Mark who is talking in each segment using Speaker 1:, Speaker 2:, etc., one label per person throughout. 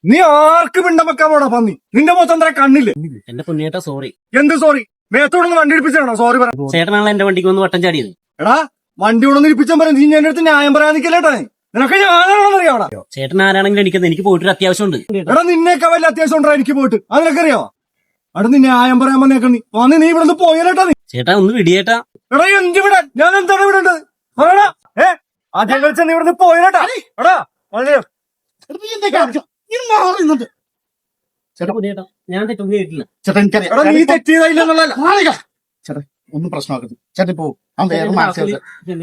Speaker 1: നീ ആർക്ക് പിണ്ടം വെക്കാൻ പോടാ പന്നി? നിന്റെ മൊത്തം എന്താ കണ്ണില്ലേ?
Speaker 2: എന്റെ പൊന്നിയേട്ടാ സോറി.
Speaker 1: എന്ത് സോറി? മേത്തോടൊന്ന് വണ്ടി ഇടിപ്പിച്ചാണോ സോറി പറ?
Speaker 2: ചേട്ടനാണല്ലോ എന്റെ വണ്ടിക്ക് വന്ന് വട്ടം ചാടിയത്.
Speaker 1: എടാ വണ്ടി കൊണ്ടൊന്ന് ഇടിപ്പിച്ചാൻ പറയാം. നീ എന്റെ അടുത്ത് ന്യായം പറയാൻ നിൽക്കല്ലേട്ടാ. നിനക്ക് ഞാനാണെന്ന് അറിയാവടാ.
Speaker 2: ചേട്ടൻ ആരാണെങ്കിലും എനിക്കത് എനിക്ക് പോയിട്ടൊരു അത്യാവശ്യമുണ്ട്.
Speaker 1: എടാ നിന്നേക്കാ വല്ല അത്യാവശ്യം ഉണ്ടാ എനിക്ക് പോയിട്ട്? അത് നിനക്കറിയാവോ? അവിടെ നീ ന്യായം പറയാൻ വന്നേക്ക. നീ വന്ന് നീ ഇവിടെ പോയാലേട്ടാ. നീ
Speaker 2: ചേട്ടാ ഒന്ന് വിടിയേട്ടാ.
Speaker 1: എടാ എന്ത് വിടാൻ? ഞാൻ എന്താണ് വിടേണ്ടത്? പറയടാ. ആദ്യം കളിച്ച നീ ഇവിടെ പോയാലേട്ടാ. എടാ
Speaker 2: ചേട്ടാ പൊന്നിയേട്ടാ ഞാൻ തെറ്റൊന്നും ചെയ്തിട്ടില്ല.
Speaker 3: ചേട്ടാ എനിക്കറിയാം.
Speaker 1: എടാ നീ തെറ്റിയതായില്ലെന്നുള്ള
Speaker 3: ചേട്ടാ ഒന്നും പ്രശ്നമാക്കരുത്. ചേട്ടൻ പോ. വേറെ മനസ്സിലാക്കുക.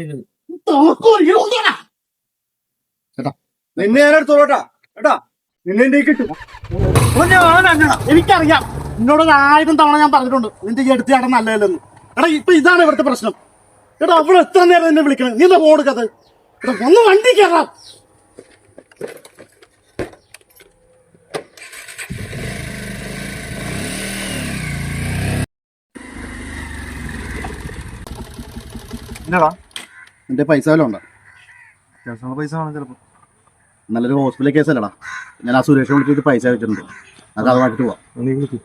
Speaker 3: ചേട്ടാ
Speaker 1: നിന്നെ ഞാൻ എടുത്തോളട്ടാ. എടാ നിന്നെ എന്റെ കിട്ടും.
Speaker 3: എനിക്കറിയാം. എന്നോട് 1000 തവണ ഞാൻ പറഞ്ഞിട്ടുണ്ട് നിന്റെ ഈ എടുത്ത് ചേട്ടൻ നല്ലതല്ലെന്ന്. എടാ ഇപ്പൊ ഇതാണ് ഇവിടുത്തെ പ്രശ്നം. എടാ അവിടെ എത്ര നേരം എന്നെ വിളിക്കണം. നീ എന്താ പോടുക്കത്? എടാ ഒന്ന് വണ്ടി കയറാം.
Speaker 1: എന്നടാ
Speaker 3: നിന്റെ പൈസ വല്ലതും ഉണ്ടോ?
Speaker 1: പൈസ വേണം ചിലപ്പോ.
Speaker 3: നല്ലൊരു ഹോസ്പിറ്റൽ കേസല്ലടാ. ഞാൻ ആ സുരേഷ് വിളിച്ചിട്ട് പൈസ വെച്ചിട്ടുണ്ട്. അത് വാങ്ങിട്ട് പോവാം.
Speaker 1: നീ വിളിക്കും.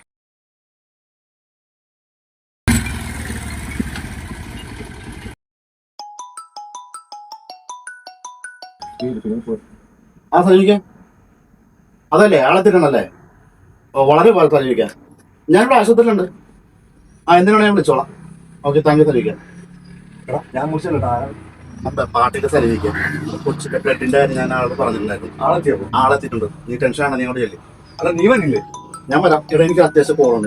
Speaker 3: ആ സജീവിക്കാം. അതല്ലേ ആളെത്തിട്ടണല്ലേ? വളരെ പോലെ സജീവിക്കാം. ഞാനിവിടെ ആശുപത്രിയിലുണ്ട്. എന്തിനാണ് ഞാൻ വിളിച്ചോളാം. ഓക്കെ താങ്ക് യു സജീവിക്കാം.
Speaker 1: ഞാൻ മുറിച്ചല്ലേട്ടാ.
Speaker 3: പാട്ടിന്റെ സജീവിക്കാം. കൊച്ചിന്റെ ബ്ലഡിന്റെ കാര്യം ഞാൻ ആളോട് പറഞ്ഞിട്ടുണ്ടായിരുന്നു. ആളെത്തിയിട്ടുണ്ട്. നീ ടെൻഷനാണ്. നീ അവിടെ ചെല്ലി.
Speaker 1: അല്ല നീ വരില്ലേ?
Speaker 3: ഞാൻ വരാം. ഇവിടെ എനിക്ക് അത്യാവശ്യം കോളുണ്ട്.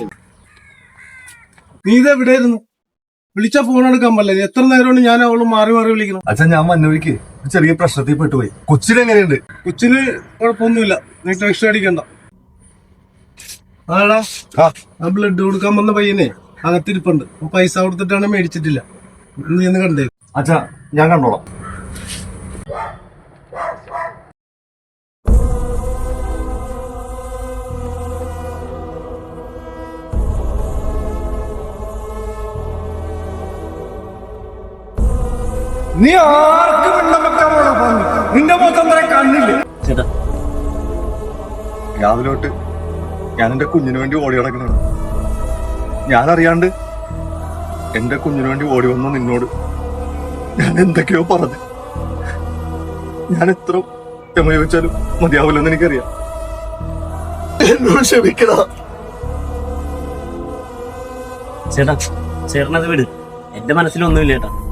Speaker 1: നീ ഇത് എവിടെയായിരുന്നു? വിളിച്ച ഫോൺ എടുക്കാൻ പറ്റില്ല. എത്ര നേരമാണ് ഞാൻ അവള് മാറി മാറി വിളിക്കണം.
Speaker 4: അച്ഛാ ഞാൻ മന്നൂരിക്ക് ചെറിയ പ്രശ്നത്തിൽ പെട്ടുപോയി. കൊച്ചിനെങ്ങനെയുണ്ട്?
Speaker 1: കൊച്ചിന് കുഴപ്പമൊന്നുമില്ല. നീ ടെൻഷൻ അടിക്കണ്ട. ആടാ ആ ബ്ലഡ് കൊടുക്കാൻ വന്ന പയ്യനെ അകത്തിരിപ്പുണ്ട്. പൈസ കൊടുത്തിട്ടാണ് മേടിച്ചിട്ടില്ല. നീ ഒന്ന് കണ്ടേ?
Speaker 4: അച്ഛാ ഞാൻ കണ്ടോളാം.
Speaker 1: നീ ആർക്ക് പിണ്ടം വെക്കാൻ പോടാ പന്നി? നിന്റെ മൊത്തം എന്താ കണ്ണില്ലേ?
Speaker 2: ചേട്ടാ
Speaker 4: രാവിലെ തൊട്ട് ഞാൻ എന്റെ കുഞ്ഞിന് വേണ്ടി ഓടി നടക്കണാണ്. ഞാനറിയാണ്ട് എന്റെ കുഞ്ഞിന് വേണ്ടി ഓടി വന്ന നിന്നോട് ഞാൻ എന്തൊക്കെയോ പറഞ്ഞു. ഞാൻ എത്ര ക്ഷമ ചോദിച്ചാലും മതിയാവില്ലെന്ന് എനിക്കറിയാം. എന്നോട് ക്ഷമിക്കടാ.
Speaker 2: ചേട്ടാ ചേട്ടനത് വിട്. എന്റെ മനസ്സിലൊന്നുമില്ല ചേട്ടാ.